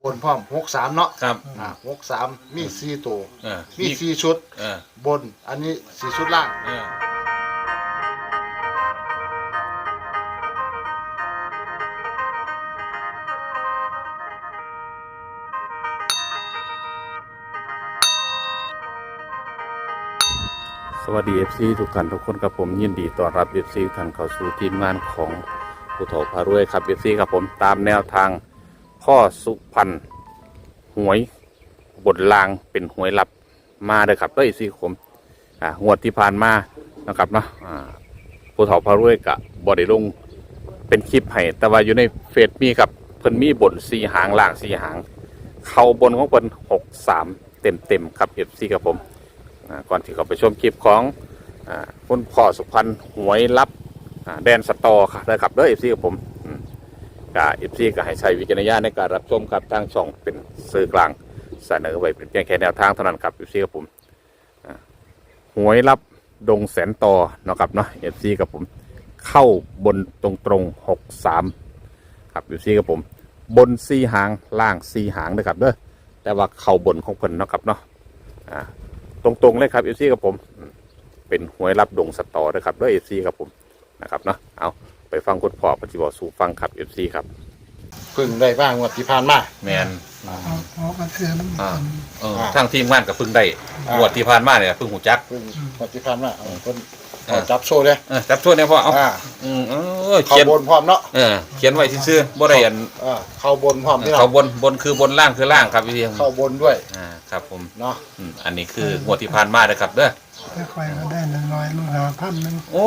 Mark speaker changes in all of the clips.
Speaker 1: บนพร้อม63เนาะ
Speaker 2: ครับ
Speaker 1: 63มี4ตัวมี4ชุดบนอันนี้4ชุดล่าง
Speaker 3: สวัสดี FC ทุกท่านทุกคนครับผมยินดีต้อนรับ FC ทุกท่านเข้าสู่ทีมงานของผู้ถกพารวยครับ FC ครับผมตามแนวทางพ่อสุพรรณหวยบทลางเป็นหวยลับมาเลยครับด้วย FC ผมงวดที่ผ่านมานะครับเนาะผู้ถกพารวยกับบอดี้ลงเป็นคลิปให้แต่ว่าอยู่ในเฟซมีครับเพิ่นมีบท4หางล่าง4หางเข้าบนของเพิ่น63เต็มครับ FC ครับผมก่อนที่เขาไปชมคลิปของคุณพ่อสุพรรณหวยลับแดนสตอค่ะนะครับเด้อ FC กับผมFC ก็ให้ใช้วิจารณญาณในการรับชมครับทางช่องเป็นสื่อกลางเสนอไว้เป็นเพียงแค่แนวทางเท่านั้นครับ FC กับผมหวยลับดงแสนตอนะครับเนาะ FC กับผมเข้าบนตรง63ครับ FC กับผมบน4หางล่าง4หางนะครับเด้อแต่ว่าเข้าบนของเพิ่นนะครับเนาะตรงๆเลยครับเอฟซีกับผมเป็นหวยรับดงสตอนะครับด้วยเอฟซีครับผมนะครับเนาะเอาไปฟังคุณพ่อปฏิบัติสู่ฟังครับเอฟซีครับ
Speaker 1: พึ่งได้บ้างงวดที่ผ่านมา
Speaker 2: แมน
Speaker 4: เอากระเทือน
Speaker 2: ทางทีมงานกับพึ่งได้งวดที่ผ่านมาเนี่ยพึ่งหูจัก
Speaker 1: พึ่งงวดที่ผ่านมาเพิ่นจับโชว์เลย
Speaker 2: จับโชว์เนี่ยพ่อเอา
Speaker 1: เขียนบนพร้อมเนาะ
Speaker 2: เขียนไว้ซื่อๆบ่ได้อัน
Speaker 1: เข้าบนพร้อมที่
Speaker 2: เข้าบนคือบนล่างคือล่างครับพี่
Speaker 1: เข้าบนด้วย
Speaker 2: ครับผม
Speaker 1: เนาะ
Speaker 2: อันนี้คืองวดที่ผ่านมาเลยครับเด้อ
Speaker 4: ถ้าใครก็ได้น้อยลูก5,000นึง
Speaker 2: โอ้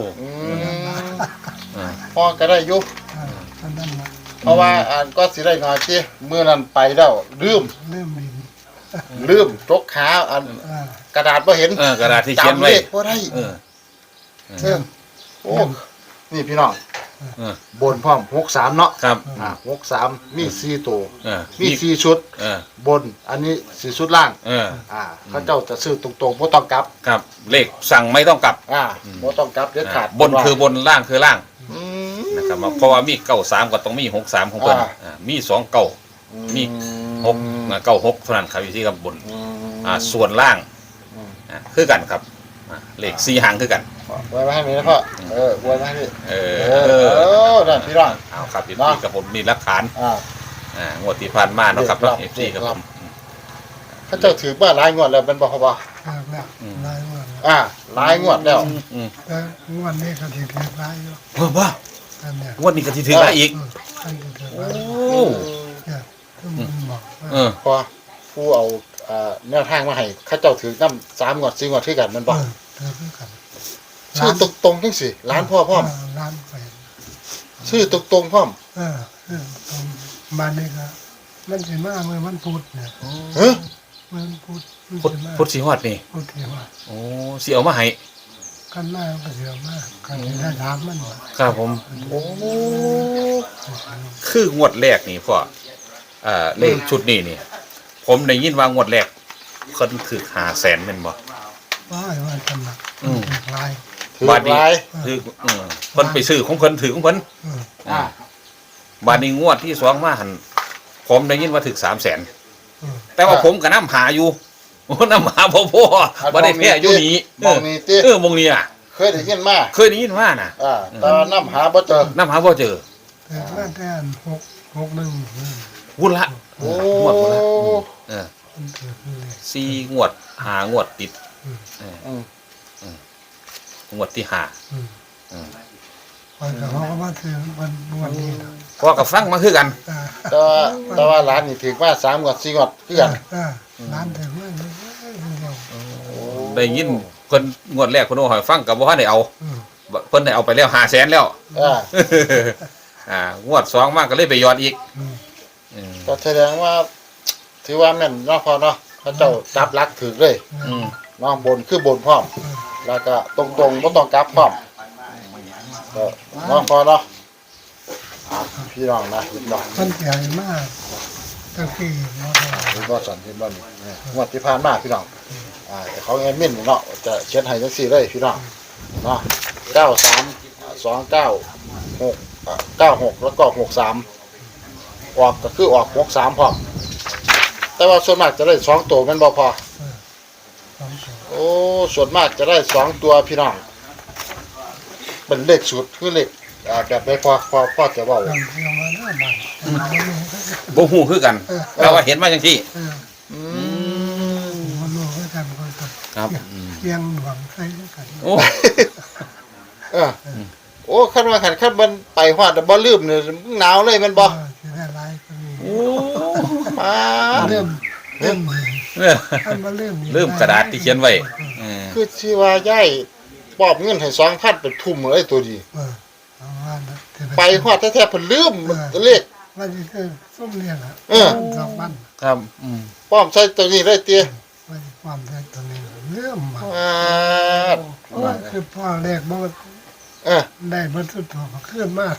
Speaker 1: พ่อก็ได้ยุบเพราะว่าก็สิได้น้อยที่เมื่อนั้นไปแล้วลืมจกขากระดาษบ่เห็น
Speaker 2: กระดาษที่เขียนไว้
Speaker 1: บ่ได้โอ้นี่พี่น้องบนพร้อม63เนาะ
Speaker 2: ครับ
Speaker 1: 63มี4ตัวมี4ชุดบนอันนี้4ชุดล่างเขาเจ้าจะซื้อตรงๆบ่ต้องกลับ
Speaker 2: ครับเลขสั่งไม่ต้องกลับ
Speaker 1: บ่ต้องกลับเด็ดขาด
Speaker 2: บนคือบนล่างคือล่างนะครับเพราะว่ามี93ก็ต้องมี63ของเพิ่นมี2เก้ามี696เท่านั้นครับอยู่ที่กับบนส่วนล่างคือกันครับเลข4หางคือกัน
Speaker 1: ไว้ให้มีนะพ่อไว้ให้พี่นั่นพี่น้อง
Speaker 2: เอาครับพี่กับผมมีหลักฐานงวดที่ผ่านมาเนาะครับเนาะ FC กับผม
Speaker 1: เขาเจ้าถือว่าหลายงวดแล้วเป็นบ่ครับบ่
Speaker 4: หลายงวด
Speaker 1: หลายงวดแล้ว
Speaker 4: แต่งวดนี้ก็ถือหลายอยู่
Speaker 2: ว่งวดนี้ก็สิถือหลายอีก
Speaker 4: โอ้
Speaker 1: พอผู้เอาแนวทางมาให้เขาเจ้าถือน้ำ3งวด4งวดคือกันมันบ่
Speaker 4: ถือกัน
Speaker 1: ชื่อตรงๆจังสิร้านพ่อพร้อม
Speaker 4: ร้านไป
Speaker 1: ชื่อตรงๆพร้อม
Speaker 4: บ้านนี้ก็มันสิมาเมื่อมันพูดเนี่ยมัน
Speaker 2: พูดสิฮอดนี่
Speaker 4: พูดสิฮอด
Speaker 2: โอ้สิเอามาให้
Speaker 4: กันมาก็สิเอามากันได้ถามมัน
Speaker 2: ครับผมโอ้คืองวดแรกนี่พ่อเลขชุดนี้นี่ผมได้ยินว่างวดแรกเพิ่นคือ500,000แม่นบ่
Speaker 4: ว่าจำหนักลาย
Speaker 2: บาดนี้คือเพิ่นไปซื้อของเพิ่นถือของเพิ่นบาดนี้งวดที่2มาหั่นผมได้ยินว่าถึก300,000แต่ว่าผมก็นำหาอยู่นำหาบ่พอบ่ได้แท้อยู่นี่
Speaker 1: มองนี่ติ
Speaker 2: มองนี่อ่ะ
Speaker 1: เคยได้ยินมา
Speaker 2: น่ะ
Speaker 1: แต่นำหาบ่เจอ
Speaker 2: แต่
Speaker 4: ว่าแต่661
Speaker 2: วุ่นละงวดพุ่นละ4งวด5งวดติดงวดที่5
Speaker 4: เขาก็มาถือวันนี้
Speaker 2: พอกับฟังมาคือกัน
Speaker 1: แต่ว่าร้านนี่ถือว่า3งวด4งวดคือกัน
Speaker 4: ร้านถือว่า
Speaker 2: ได้ยินเพิ่นงวดแรกเพิ่นเอาให้ฟังก็บ่ทันได้เอาเพิ่นได้เอาไปแล้ว500,000แล้วงวด2มาก็เลยไปยอดอีก
Speaker 1: ก็แสดงว่าถือว่าแม่นเนาะพอเนาะเขาเจ้าจับลักถือเลยเนาะบนคือบนพร้อมแล้วก็ตรงๆบ่ต้องกลับพร้อมเนาะพอเนาะพี่น้องนะพี่น้อง
Speaker 4: มันใหญ่มากตะกี้เนาะ
Speaker 1: พี่บ่สั่นพี่บ่นี่งวดที่ผ่านมาพี่น้องของแอดมินเนาะจะเขียนให้จังซี่เลยพี่น้องเนาะ93 29 6 96แล้วก็63 ออกก็คือออก63พร้อมแต่ว่าส่วนมากจะได้2ตัวแม่นบ่พอ
Speaker 4: สองตัว
Speaker 1: โอ้ส่วนมากจะได้2ตัวพี่น้องเป็นเลขสูตรคือเลขแบบใดพอจะเว้า
Speaker 4: ยังมาหน้าบ้าน
Speaker 2: บ่ฮู้คือกันแต่ว่าเห็นมาจังซี่
Speaker 1: อืม
Speaker 4: มันรู้ด้วยกันก็ต้อง
Speaker 2: ครับ
Speaker 4: เพียงหวังใครด้วยกัน
Speaker 2: โอ้
Speaker 1: เออโอ้คันว่าคันมันไปฮอดบ่ลืมเนี่ยหนาวเลยแมันบ่
Speaker 4: จะได้ไล่ก็มี
Speaker 2: โอ้
Speaker 1: มา
Speaker 4: เริ่ม
Speaker 2: เออ
Speaker 4: อันมาเริ่ม
Speaker 2: ลืมกระดาษที่เขียนไว้เออ
Speaker 1: คือสิว่าย้ายปอบเงินให้2,000ไปทุ่มเลยตัวดี
Speaker 4: เอาว่านะ
Speaker 1: ไปฮอดแท้ๆเพิ่นลืมเลข
Speaker 4: วันนี้คือส้มเลี้ยงอ่ะ
Speaker 1: เออ
Speaker 4: สองวัน
Speaker 2: ครับ
Speaker 1: ป้อมใส่ตัวนี้ได้เตี้ย
Speaker 4: วันความได้ตัวนี้เริ่มมา
Speaker 1: อ่า
Speaker 4: คือพ่อแรกบอก
Speaker 1: เออ
Speaker 4: ได้บรรทุกตัวมาขึ้นมาก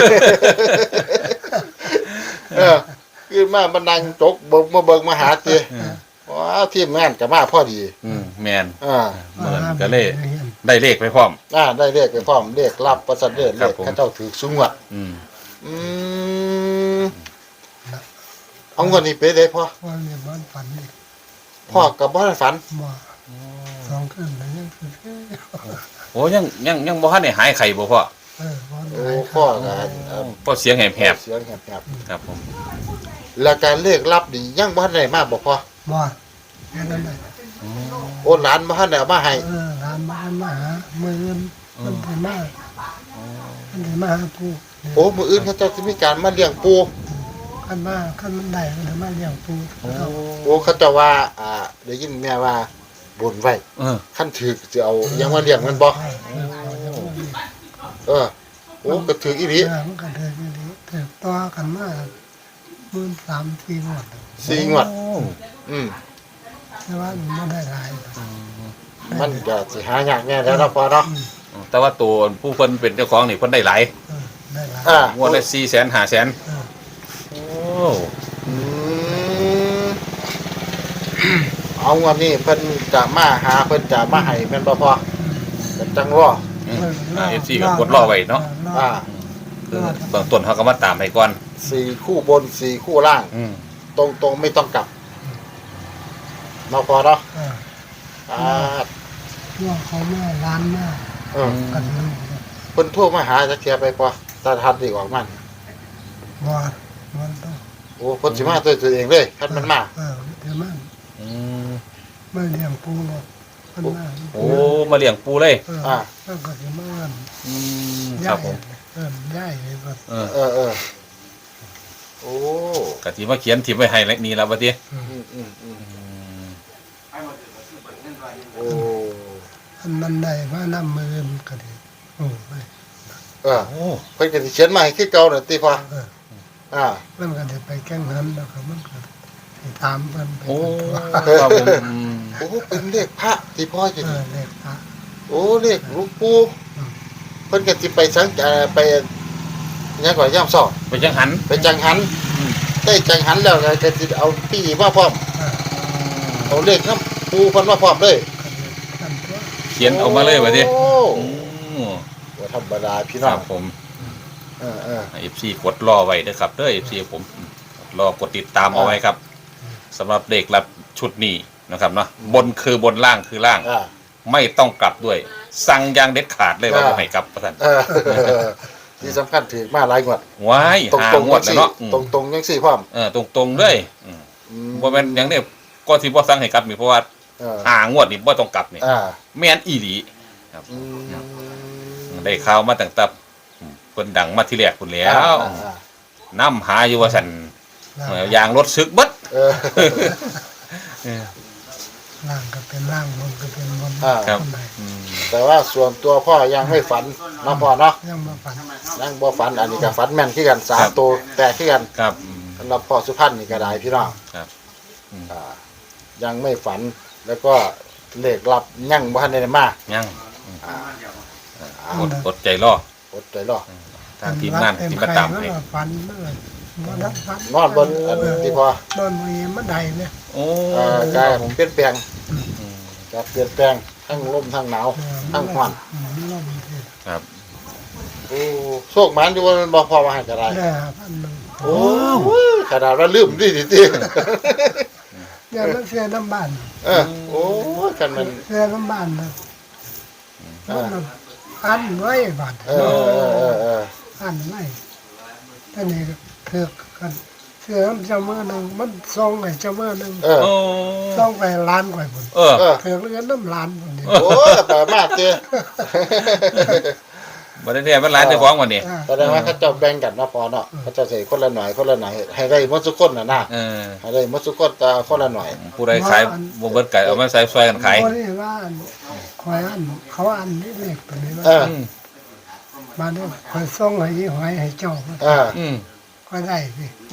Speaker 1: เออคือมาบันดังจกเบิกมาหาเตี้ยว้าวทีมงานก็มาพอดี
Speaker 2: แม่น
Speaker 1: อ่า
Speaker 2: เหมือนก็เลยได้เลขไปพร้อม
Speaker 1: ได้เลขไปพร้อมเลขรับประสันเลข
Speaker 2: ครับผม
Speaker 1: เขาเจ้าถือสูงอ่ะ
Speaker 2: อืม
Speaker 1: อืมเอาเงินนี่ไปได้พ่อ
Speaker 4: พ่อเนี่ยบ้านฝันนี่
Speaker 1: พ่อกับบ้านฝัน
Speaker 4: บ่สองคืนแล้วยังคือ
Speaker 2: โอ้ยังบ่ทันได้หายไข้บ่พ่อ
Speaker 4: พ่อ
Speaker 1: โอ้พ่อกัน
Speaker 2: เพราะเสียงแหบ
Speaker 1: เสียงแหบ
Speaker 2: ๆครับผม
Speaker 1: ๆแล้วการเลขรับนี่ยังบ้านไหนมาบอกพ่อ
Speaker 4: บ่แค่นั้นเลย
Speaker 1: โอ้หลานบ้านไหนเอามาให้
Speaker 4: ร้านมาหามือเงินมันถึงมากมันถึงมาหาปู
Speaker 1: โอ้มืออื่นเขาเจ้าจะมีการมาเลี้ยงปู
Speaker 4: ขั้นมาขั้นมันได้มันถึงมาเลี้ยงปู
Speaker 1: โอ้เขาเจะว่าได้ยินแม่ว่าบนไว้
Speaker 2: เออ
Speaker 1: ขั้นถือจะเอายังมาเลี้ยงมันบ่เออโอ้ก็ถืออีหลี
Speaker 4: มันก็เดินอย่างนี้เถิดต่อกันมา13-14 งวด
Speaker 1: 4 งวดอืม
Speaker 4: แต่ว่ามันไม่ได้หลาย
Speaker 1: มันก็สิหายากแน่แล้วเนาะพ่อเนาะ
Speaker 2: แต่ว่าตัวผู้เพิ่นเป็นเจ้าของนี่เพิ่นได้หลาย
Speaker 4: ได้หลาย
Speaker 2: งวดละ400,000 500,000โอ้
Speaker 1: อืมเอางวดนี้เพิ่นจะมาหาเพิ่นจะมาให้แม่นบ่พ่อก็จังรอ
Speaker 2: FC ก็กดรอไว้เนาะ
Speaker 1: อ่า
Speaker 2: คือเบื้องต้นเขาก็มาตามให้ก่อน
Speaker 1: 4 คู่บน 4 คู่ล่าง ตรงๆไม่ต้องกลับเนาะพ่อเนาะอ่า
Speaker 4: ว่าเขาแม่ร้านแม่
Speaker 1: เออ
Speaker 4: กันลูก
Speaker 1: เพิ่นโทรมาหาจักเที่ยไปพ่อตาทัดดีออกมัน
Speaker 4: ว่ามันต้อง
Speaker 1: โอ้เพิ่นสิมาด้วยตัวเองเลยคันมันมา
Speaker 4: เดี๋ยวมันไม่เลี้ยงปูหรอกมันมา
Speaker 2: โอ้มาเลี้ยงปูเลย
Speaker 4: แล้วก็จะมา
Speaker 2: ค
Speaker 4: ย่า
Speaker 2: รับ
Speaker 4: ย
Speaker 2: ผม
Speaker 4: ย่ายเลยก็
Speaker 2: เออ
Speaker 1: เออโอ้
Speaker 2: กะทิมาเขียนทิมไว้ให้แล้วนี่แล้วบัดนี้
Speaker 1: โอ้
Speaker 4: มันได้มาน้ำมือก็ดีโอ้ไป
Speaker 1: เออเพิ่นก็สิเขียนมาให้คือเก่าน่ะติพ่อ
Speaker 4: มันก็จะไปแก้งนั้นแล้วก็มันก็ตามมันไป
Speaker 2: โอ้ครับผม
Speaker 1: โอ้เป็นเลขพระที่พ่ออยู่นี่
Speaker 4: เลขพระ
Speaker 1: โอ้เลขหลวงปู่เพิ่นก็สิไปสังไปยังก่อนย่ำซ้อ
Speaker 2: ไปจังหัน
Speaker 1: ไปจังหันได้จังหันแล้วก็สิเอาพี่มาพร้อมเอาเลขนำปู่เพิ่นมาพร้อมเลย
Speaker 4: กันตัว
Speaker 2: เขียนออกมาเลยบัดนี้
Speaker 1: โอ้
Speaker 2: อืม
Speaker 1: บ่ธรรมดาพี่
Speaker 2: ค
Speaker 1: น้อ
Speaker 2: รั
Speaker 1: ง
Speaker 2: บผม
Speaker 1: เออ
Speaker 2: FC กดรอไว้เด้อครับเด้อ FC ผมรอกดติดตามเอาไว้ครับสำหรับเลขรับชุดนี้นะครับเนาะบนคือบนล่างคือล่าง ไม่ต้องกลับด้วย สั่งอย่างเด็ดขาดเลยว่าบ่ให้กลับประท่าน
Speaker 1: ที่สำคัญถือมาหลายงวด
Speaker 2: ว้าย
Speaker 1: ตรง
Speaker 2: หา
Speaker 1: ตรง
Speaker 2: งวดแล้วเนาะ
Speaker 1: ตรงยังสี่พร้อม
Speaker 2: ตรงๆเลยบ่แม่นอย่างนี้ก็สิบ่สั่งให้กลับนี่เพราะว่าหางวดนี่บ่ต้องกลับนี่แม่นอีหลีครับได้ข่าวมาตั้งแต่เพิ่นดังมาที่แรกพุ่นแล้วนำหาอยู่ว่าซั่นยางรถซึกเบิด
Speaker 4: ล่างก็เป็นล่างบนก็เป็นบน
Speaker 2: ครับ
Speaker 1: แต่ว่าส่วนตัวพ่อยังไม่ฝันน้องพ่อเนาะ
Speaker 4: ยังมาฝัน
Speaker 1: ยังบ่ฝันอันนี้ก็ฝันแม่นคือกัน3ตัวแตกคือกัน
Speaker 2: ครับ
Speaker 1: สำหรับพ่อสุพรรณนี่ก็ได้พี่น้อง
Speaker 2: ครับ
Speaker 1: ยังไม่ฝันแล้วก็เลขลับยังบ่ทันได้มา
Speaker 2: ยัง
Speaker 1: อ่า
Speaker 2: อดใจรอ
Speaker 1: อดใจรอ
Speaker 2: ทางทีมงานที่มาตามให้
Speaker 4: ฝันเมื่อวันนั้นฝัน
Speaker 1: นอนบนอันที่พ่อน
Speaker 4: อนมือมันใดเนี่ย
Speaker 2: โอ้
Speaker 1: กายผมเปลี่ยนแปลงจะเปลี่ยนแปลงทั้งลมทั้งหนาวทั้งร้อน
Speaker 4: มันลมเทศ
Speaker 2: ครับ
Speaker 1: โอ้โชคหมันอยู่ว่ามันบ่พอมาให้ก็ได้
Speaker 4: ได้1,000
Speaker 1: โอ้ขนาดว่าลืมดิดิ
Speaker 4: อย่างนั้นเสียน้ำบ้าน
Speaker 1: โอ้กันมัน
Speaker 4: เสียน้ำบ้านนะมันอันไว้บาด
Speaker 1: เออ
Speaker 4: อันไว้ท่านนี่คือกันเสือเจ้ามือหนึ่งมันซองไอ้เจ้ามือหนึ่ง
Speaker 2: โอ้
Speaker 4: ซองไปล้านกว่าคน
Speaker 2: เออ
Speaker 4: เถือกเงินน้ำล้านคนนี้
Speaker 1: โอ้แต่มากเจ้
Speaker 2: บ่ได้แท้มันหลายเจ้าของวันนี้
Speaker 1: แสดงว่าเขาเจ้าแบ่งกันเนาะพอเนาะเขาเจ้าใส่คนละหน่อยคนละหน่อยให้ได้หมดทุกคนน่ะนะ
Speaker 2: เออ
Speaker 1: ให้ได้หมดทุกคนแต่คนละหน่อย
Speaker 2: ผู้ใดขายบ่เบิดไก่เอามาใส่ซอยกันขาย
Speaker 4: คนนี้ว่าคอยอันเขาอันนี่เล็กตัวนี้ว่า
Speaker 2: อืม
Speaker 4: มาเนี่ยคอยส่งให้ยี่หอยให้เจ้า
Speaker 2: อืม
Speaker 4: ก็ได้สิ
Speaker 2: โอ้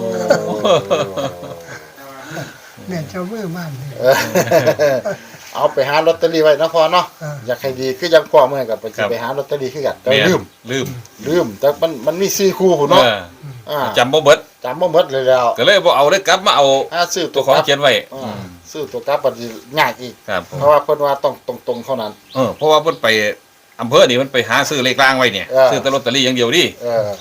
Speaker 4: เนี่ยเจ้ามือบ้านนี่
Speaker 1: เอาไปหาลอตเตอรี่ไว้นะพอเนาะ อยากให้ดีคือยังพ่อเมื่อกับไปสิไปหาลอตเตอรี่คือกันแต่ลืม
Speaker 2: ลืม
Speaker 1: แต่มันมี4คู่พุ่น
Speaker 2: เอ
Speaker 1: เนาะ
Speaker 2: อจำบ่เบิด
Speaker 1: จำบ่หมดเลยแล้ว
Speaker 2: ก็เลยบ่เอาได้กลับมาเอา
Speaker 1: ถ้าซื้อ
Speaker 2: ตัวของเขียนไว้
Speaker 1: ซื้อตัวกลับมันสิยากอีก
Speaker 2: ครับผม
Speaker 1: เพราะว่าเพิ่นว่าต้องตรงๆเท่านั้น
Speaker 2: เพราะว่าเพิ่นไปอำเภอนี่มันไปหาซื้อเลขกลางไว้เนี่ย ซื้อแต่ลอตเตอรี่อย่างเดียวดิ
Speaker 1: เออ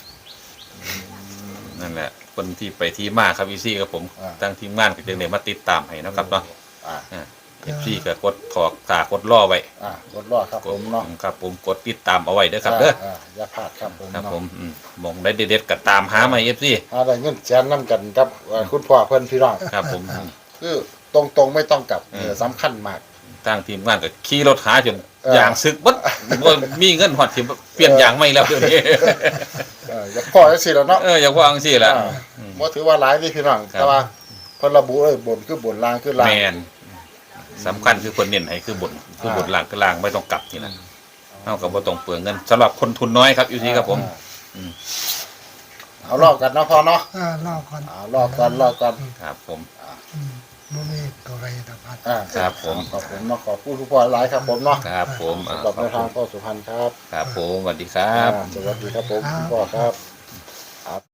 Speaker 2: นั่นแหละคนที่ไปที่มาครับอีซี่กับผม
Speaker 1: อ่า
Speaker 2: ตั้งทีมงานก็จึงได้มาติดตามให้เนาะครับเนาะ
Speaker 1: อ่า
Speaker 2: FC ก็กดถอกตากดล่อไว้
Speaker 1: กดรอดครับผมเนาะ
Speaker 2: ครับผมกดติดตามเอาไว้เด้อครับเด้อ
Speaker 1: อย่าพลาดครับผม
Speaker 2: ครับ
Speaker 1: เนาะ
Speaker 2: ผมมองได้เด็ดๆก็ตามหามา FC
Speaker 1: ได้เงินแสนนํกันกับคุณพ่อเพิ่นพี่น้อง
Speaker 2: ครับผม
Speaker 1: คือตรงๆไม่ต้องกลับสำคัญมาก
Speaker 2: ตั้งทีมงานก็ขี่รถหาจน
Speaker 1: เออ
Speaker 2: ยางซึกบัดบ่มีเงินฮอดสิเปลี่ยนยางไม่แล้วเดี๋ยวนี้
Speaker 1: อย่าพ่อจังซี่แล้วเนาะ
Speaker 2: อย่างว่าจังซี่แหละ
Speaker 1: บ่ถือว่าหลายนี่พี่น้อง
Speaker 2: ครับ
Speaker 1: แต่ว่าเพิ่นระบุเลยบนคือบนล่างคือล่าง
Speaker 2: แมนสำคัญคือคนเน้นให้คือบนล่างคือล่างไม่ต้องกลับนี่นะเท่ากับว่าต้องเปลืองเงินสำหรับคนทุนน้อยครับอยู่ที่ครับผม
Speaker 1: เอารอบกันเนาะพ่อเนาะ
Speaker 4: รอก่อน
Speaker 1: เอารอบกัน
Speaker 2: ครับผม
Speaker 4: มันมีตัวอะไรต่าง
Speaker 2: ครับผม
Speaker 1: ขอบคุณเนาะขอบคุณทุกพ่อหลายครับผมเนาะ
Speaker 2: ครับผม
Speaker 1: สำหรับในทางพ่อสุพรรณครับ
Speaker 2: ครับผมสวัสดีครับ
Speaker 1: สวัสดีครับผมคุณพ่อครับ